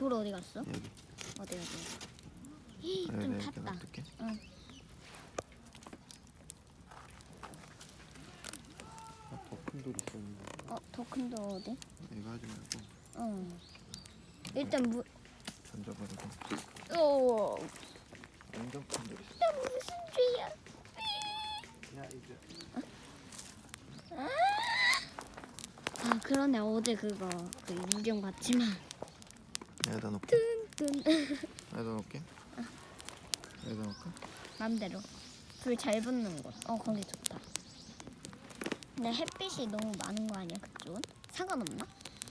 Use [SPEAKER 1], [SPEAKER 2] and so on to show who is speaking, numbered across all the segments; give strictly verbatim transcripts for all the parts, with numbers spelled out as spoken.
[SPEAKER 1] 돌 어디 갔어?
[SPEAKER 2] 여기.
[SPEAKER 1] 어디 어디? 히, 좀
[SPEAKER 2] 여기
[SPEAKER 1] 탔다.
[SPEAKER 2] 놔둘게.
[SPEAKER 1] 응.
[SPEAKER 2] 아, 더 큰 돌 있었는데.
[SPEAKER 1] 어, 더 큰 돌 어디?
[SPEAKER 2] 이거 하지 말고
[SPEAKER 1] 응. 일단 물.
[SPEAKER 2] 던져버리고.
[SPEAKER 1] 오.
[SPEAKER 2] 완전 큰 돌 있어.
[SPEAKER 1] 나 무슨 죄야?
[SPEAKER 2] 야 이제.
[SPEAKER 1] 아 그러네 어제 그거 그 유경 봤지만.
[SPEAKER 2] 여기다 놓게.
[SPEAKER 1] 뜬뜬.
[SPEAKER 2] 여기다 놓게. 여기다 놓을까?
[SPEAKER 1] 맘대로. 불 잘 붙는 곳. 어 거기 좋다. 근데 햇빛이 너무 많은 거 아니야 그쪽은? 상관없나?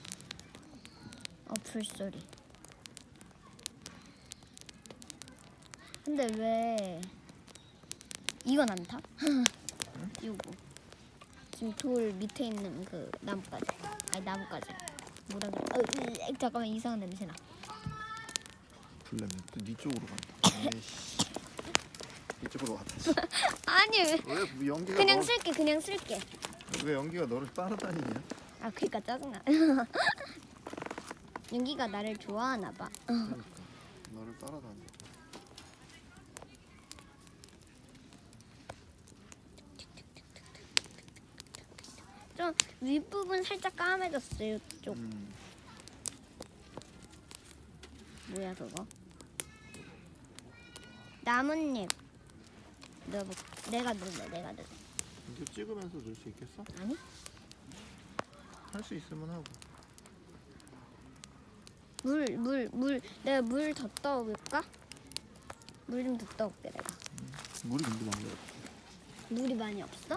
[SPEAKER 1] 어 불소리. 근데 왜 이건 안 타? 요거 지금 돌 밑에 있는 그 나뭇가지. 아니 나뭇가지. 뭐라 그래? 어, 으, 잠깐만 이상한 냄새 나.
[SPEAKER 2] 불내면 또네 쪽으로 간다. 에이씨. 이쪽으로 왔다.
[SPEAKER 1] 아니 왜?
[SPEAKER 2] 왜 연기가
[SPEAKER 1] 그냥
[SPEAKER 2] 너,
[SPEAKER 1] 쓸게 그냥 쓸게.
[SPEAKER 2] 왜 연기가 너를 따라다니냐?
[SPEAKER 1] 아 그니까 짜증나. 윤기가 나를 좋아하나 봐.
[SPEAKER 2] 그러니까 너를 따라다니.
[SPEAKER 1] 좀 윗부분 살짝 까매졌어요 쪽.
[SPEAKER 2] 음.
[SPEAKER 1] 뭐야 그거? 나뭇잎. 내가 뭐, 내가 눌러 내가 눌러.
[SPEAKER 2] 이제 찍으면서 넣을 수 있겠어?
[SPEAKER 1] 아니?
[SPEAKER 2] 할 수 있으면 하고.
[SPEAKER 1] 물 물 물 내가 물 더 떠올까? 물 좀 더 떠올게 내가.
[SPEAKER 2] 물이 근데 많이 없어.
[SPEAKER 1] 물이 많이 없어?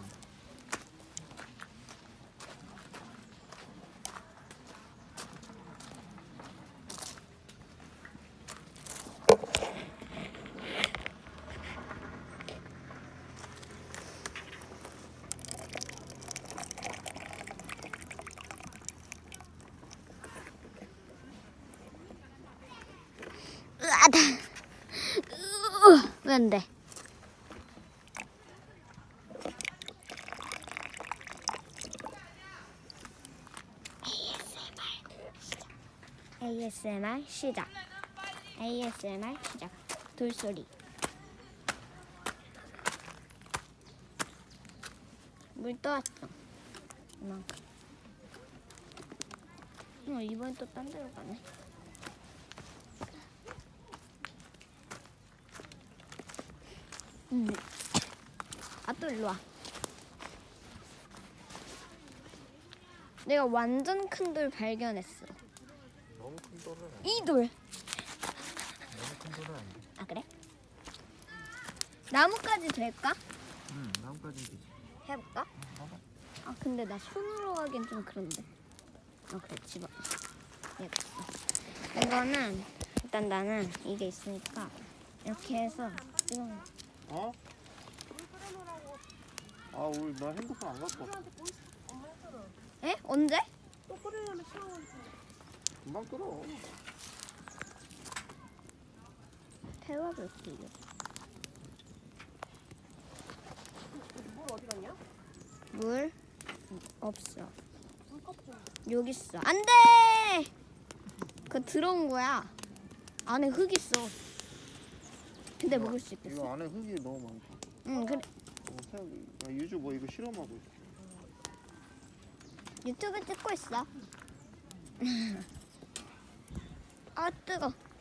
[SPEAKER 1] 으아다. 왜 안 돼? 에이에스엠알 시작. 에이에스엠알 시작. 돌소리. 물 떠왔어. 이만큼. 어, 이번엔 또 딴 데로 가네. 음. 아, 또 일로 와. 내가 완전 큰 돌 발견했어.
[SPEAKER 2] 너무 큰 돌은 안 돼.
[SPEAKER 1] 이 돌.
[SPEAKER 2] 너무 큰 돌은 안 돼.
[SPEAKER 1] 아, 그래? 나뭇가지 될까?
[SPEAKER 2] 응, 나뭇가지는 되지.
[SPEAKER 1] 해볼까?
[SPEAKER 2] 봐봐.
[SPEAKER 1] 아, 근데 나 손으로 하기엔 좀 그런데. 아, 그래, 집어. 예, 이거는 일단 나는 이게 있으니까 이렇게 해서 이거
[SPEAKER 2] 어? 아, 우리 나 핸드폰 안 갖고 왔어.
[SPEAKER 1] 에? 언제?
[SPEAKER 3] 또 끓이려면 시간 걸려.
[SPEAKER 2] 금방 끓어.
[SPEAKER 1] 태워볼게요.
[SPEAKER 3] 물 어디 갔냐?
[SPEAKER 1] 물 없어.
[SPEAKER 3] 물컵 좀.
[SPEAKER 1] 여기 있어. 안 돼! 그거 들어온 거야. 안에 흙 있어. 근데 먹을 수 있겠어?
[SPEAKER 2] 이거 안에 흙이 너무 많다.
[SPEAKER 1] 응, 그래.
[SPEAKER 2] 어, 태우기. 나 유주 뭐 이거 실험하고 있어.
[SPEAKER 1] 유튜브 찍고 있어. 아, 뜨거.